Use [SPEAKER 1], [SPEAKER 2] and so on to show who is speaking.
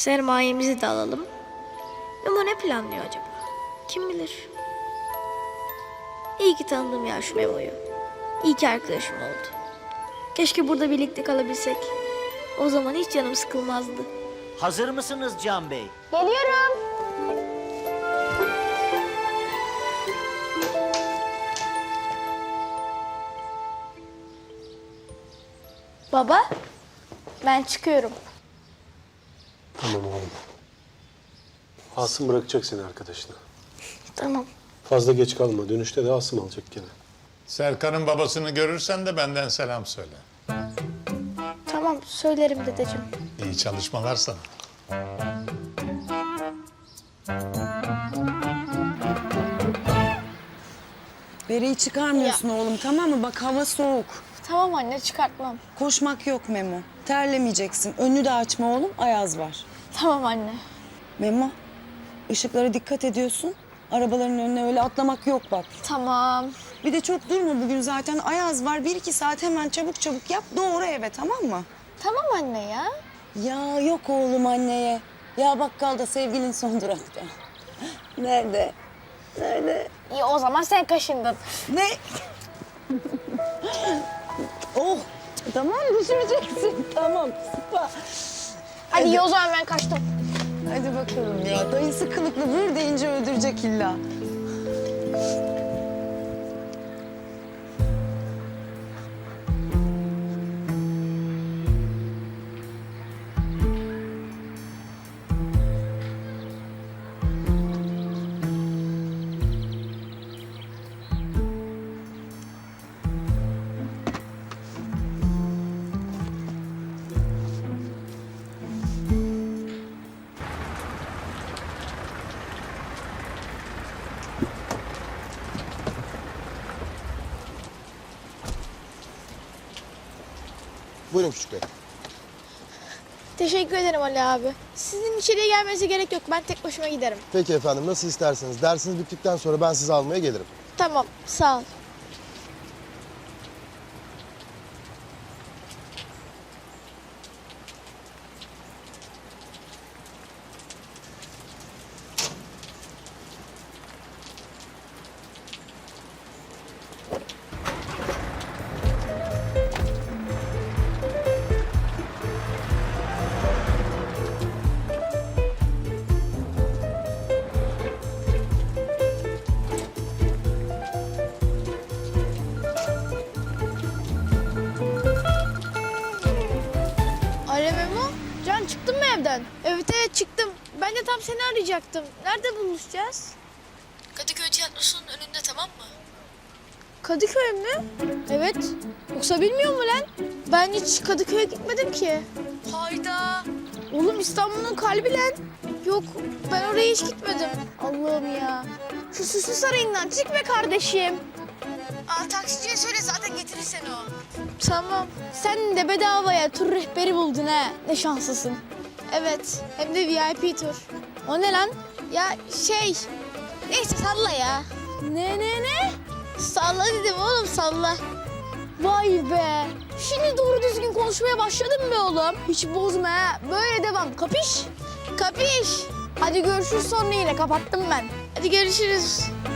[SPEAKER 1] Sermayemizi de alalım. Memo ne planlıyor acaba? Kim bilir? İyi ki tanıdım ya şu Memo'yu. İyi ki arkadaşım oldu. Keşke burada birlikte kalabilsek. O zaman hiç canım sıkılmazdı.
[SPEAKER 2] Hazır mısınız Can Bey?
[SPEAKER 3] Geliyorum. Baba, ben çıkıyorum.
[SPEAKER 4] Tamam oğlum. Asım bırakacak seni arkadaşına.
[SPEAKER 1] Tamam.
[SPEAKER 4] Fazla geç kalma. Dönüşte de Asım alacak gene.
[SPEAKER 5] Serkan'ın babasını görürsen de benden selam söyle.
[SPEAKER 1] Tamam söylerim dedeciğim.
[SPEAKER 5] İyi çalışmalar sana.
[SPEAKER 6] Bereyi çıkarmıyorsun oğlum, tamam mı? Bak hava soğuk.
[SPEAKER 3] Tamam anne, çıkartmam.
[SPEAKER 6] Koşmak yok Memo. Terlemeyeceksin. Önünü de açma oğlum, ayaz var.
[SPEAKER 3] Tamam anne.
[SPEAKER 6] Memo, ışıklara dikkat ediyorsun. Arabaların önüne öyle atlamak yok bak.
[SPEAKER 3] Tamam.
[SPEAKER 6] Bir de çok durma bugün zaten. Ayaz var. 1-2 saat hemen çabuk çabuk yap. Doğru eve, tamam mı?
[SPEAKER 3] Tamam anne ya.
[SPEAKER 6] Ya yok oğlum anneye. Ya bakkalda sevgilin son durakta. Nerede? Nerede?
[SPEAKER 3] İyi o zaman sen kaşındın.
[SPEAKER 6] Ne? Oh, tamam düşüreceksin. Tamam, sıpa.
[SPEAKER 3] Hadi iyi o zaman ben kaçtım.
[SPEAKER 6] Hadi bakalım ya. Dayısı kılıklı vur deyince öldürecek illa.
[SPEAKER 7] Buyurun küçük bey.
[SPEAKER 3] Teşekkür ederim Ali abi. Sizin içeriye gelmenize gerek yok. Ben tek başıma giderim.
[SPEAKER 7] Peki efendim, nasıl isterseniz. Dersiniz bittikten sonra ben sizi almaya gelirim.
[SPEAKER 3] Tamam, sağ ol. Alo Memo, Can çıktın mı evden? Evet çıktım. Ben de tam seni arayacaktım. Nerede buluşacağız?
[SPEAKER 1] Kadıköy Tiyatrosu'nun önünde tamam mı?
[SPEAKER 3] Kadıköy mü? Evet. Yoksa bilmiyor mu lan? Ben hiç Kadıköy'e gitmedim ki.
[SPEAKER 1] Hayda.
[SPEAKER 3] Oğlum İstanbul'un kalbi lan. Yok ben oraya hiç gitmedim. Allah'ım ya. Şu Süslü Sarayı'ndan çık be kardeşim.
[SPEAKER 1] Aa, taksiciye söyle zaten getirir seni o.
[SPEAKER 3] Tamam. Sen de bedavaya tur rehberi buldun ha. Ne şanslısın. Evet. Hem de VIP tur. O ne lan? Ya şey. Neyse salla ya. Ne? Salla dedim oğlum salla. Vay be. Şimdi doğru düzgün konuşmaya başladın be oğlum. Hiç bozma ha. Böyle devam. Kapiş? Kapiş. Hadi görüşürüz sonra yine. Kapattım ben. Hadi görüşürüz.